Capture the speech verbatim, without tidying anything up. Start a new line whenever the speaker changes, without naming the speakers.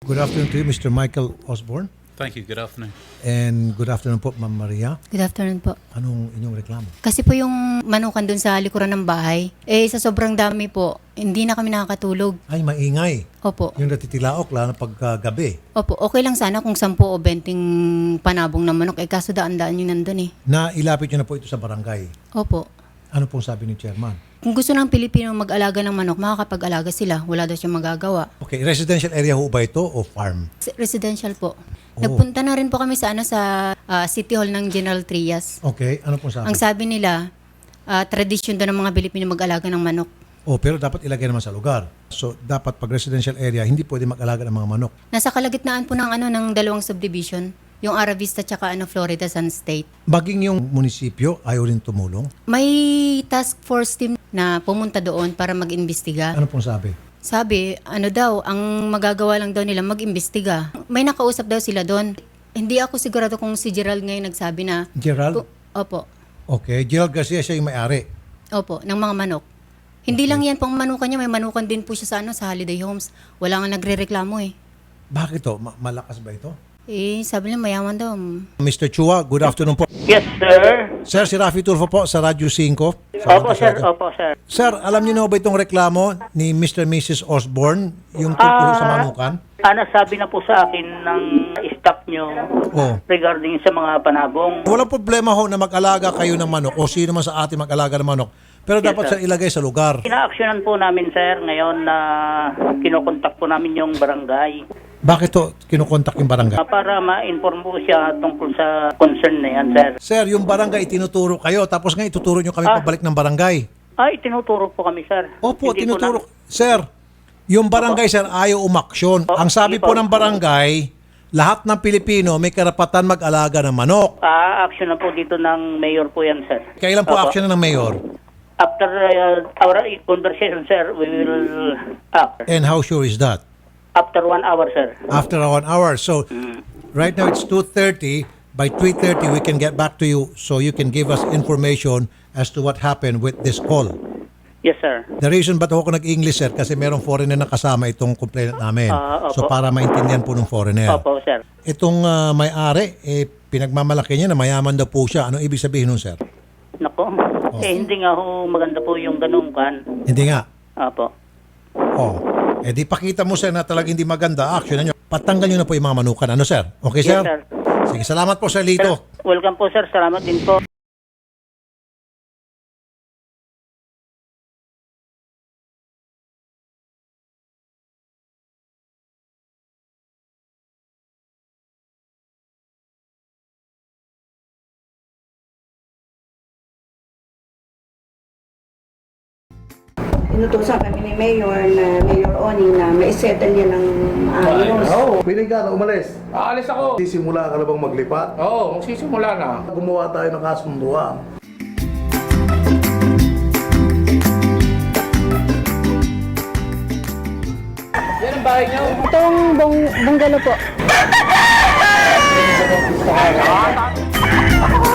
Good afternoon to you, Mister Michael Osborne.
Thank you. Good afternoon.
And good afternoon po, Ma'am Maria.
Good afternoon po.
Anong inyong reklamo?
Kasi po yung manukan dun sa likuran ng bahay, eh sa sobrang dami po, hindi na kami nakakatulog.
Ay, maingay.
Opo.
Yung natitilaok, lalo na pagkagabi.
Opo, okay lang sana kung sampu o benting panabong na manok, eh kaso daan-daan yun nandun eh.
Na ilapit nyo na po ito sa barangay.
Opo.
Ano pong sabi ni Chairman?
Kung gusto ng Pilipino mag-alaga ng manok, makakapag-alaga sila. Wala daw siyang magagawa.
Okay, residential area ho ba ito o farm?
Residential po.
Oh.
Nagpunta na rin po kami sa ano sa ah, City Hall ng General Trias.
Okay, ano pong sabi?
Ang sabi nila, ah, tradisyon daw ng mga Pilipino mag-alaga ng manok.
Oh, pero dapat ilagay naman sa lugar. So, dapat pag residential area, hindi pwede mag-alaga ng mga manok.
Nasa kalagitnaan po ng ano ng dalawang subdivision, yung Ara Vista tsaka ano Florida Sun State.
Baging yung munisipyo, ayaw rin tumulong.
May task force team na pumunta doon para mag-imbestiga.
Ano pong sabi?
Sabi, ano daw, ang magagawa lang daw nila mag-imbestiga. May nakausap daw sila doon. Hindi ako sigurado kung si Gerald ngayon nagsabi na,
Gerald?
Ku- Opo,
Okay, Gerald Garcia siya yung may-ari.
opo, ng mga manok. Hindi lang yan pang manukan niya, may manukan din po siya sa ano sa Holiday Homes. Wala nga nagre-reklamo eh.
Bakit to? Ma- malakas ba ito?
Eh, sabi niya mayaman daw.
Mister Chua, good afternoon po.
Yes, sir.
Sir, si Rafi Tulfo po sa Radyo cinco.
Opo, sir. Opo, sir.
Sir, alam niyo na ba itong reklamo ni Mister and Missus Osborne, yung tungkol sa manukan?
Ana, sabi na po sa akin ng staff nyo
Oh.
regarding sa mga panabong.
Walang problema ho na mag-alaga kayo ng manok o sino man sa atin mag-alaga ng manok. Pero
Yes,
dapat
sir.
sir ilagay sa lugar.
Ina-actionan po namin, sir, ngayon na kinokontak po namin yung barangay
Bakit to kinukontak yung barangay?
ah, para ma-inform po siya tungkol sa concern na yan, sir.
Sir, yung barangay itinuturo kayo tapos nga ituturo nyo kami
Ah.
pabalik ng barangay.
Ay, tinuturo po kami, sir.
Opo,
Hindi po
tinuturo.
na-
Sir, yung barangay sir ayaw umaksyon.
Opo,
Ang sabi
sige
po
po.
ng barangay, lahat ng Pilipino may karapatan mag-alaga ng manok.
Ah, action na po dito ng mayor po yan, sir.
Kailan po
Opo.
action ng mayor?
After uh, our conversation, sir, we will act.
And how sure is that?
After one hour, sir.
After one hour. So, right now it's two thirty. By three thirty, we can get back to you so you can give us information as to what happened with this call.
Yes, sir.
The reason ba't ako nag-English, sir, kasi merong foreigner na kasama itong complainant namin.
Ah, opo.
So, para maintindihan po ng foreigner.
Opo, sir.
Itong ah, may-ari, eh, pinagmamalaki niya na mayaman daw po siya. Anong ibig sabihin nun, sir?
Nako. Eh, hindi nga ho maganda po yung ganun kan.
Hindi nga.
Apo.
Oh. Eh, di pakita mo, sir, na talagang hindi maganda. Action na nyo. Patanggal nyo na po yung mga manukan. Ano, sir? Okay, sir?
Yes, sir.
Sige, salamat po, sir Lito.
Sir, welcome po, sir. Salamat din po.
Inutusan kami ni Mayor na Mayor Oning na maisettle niya ng maayos.
Oo, pili ka na umalis.
Aalis ako.
Sisimula ka na bang maglipat?
Oo, magsisimula na.
Gumawa tayo ng kasunduan.
Yan ang bahay niyo.
Itong bung bungalow po.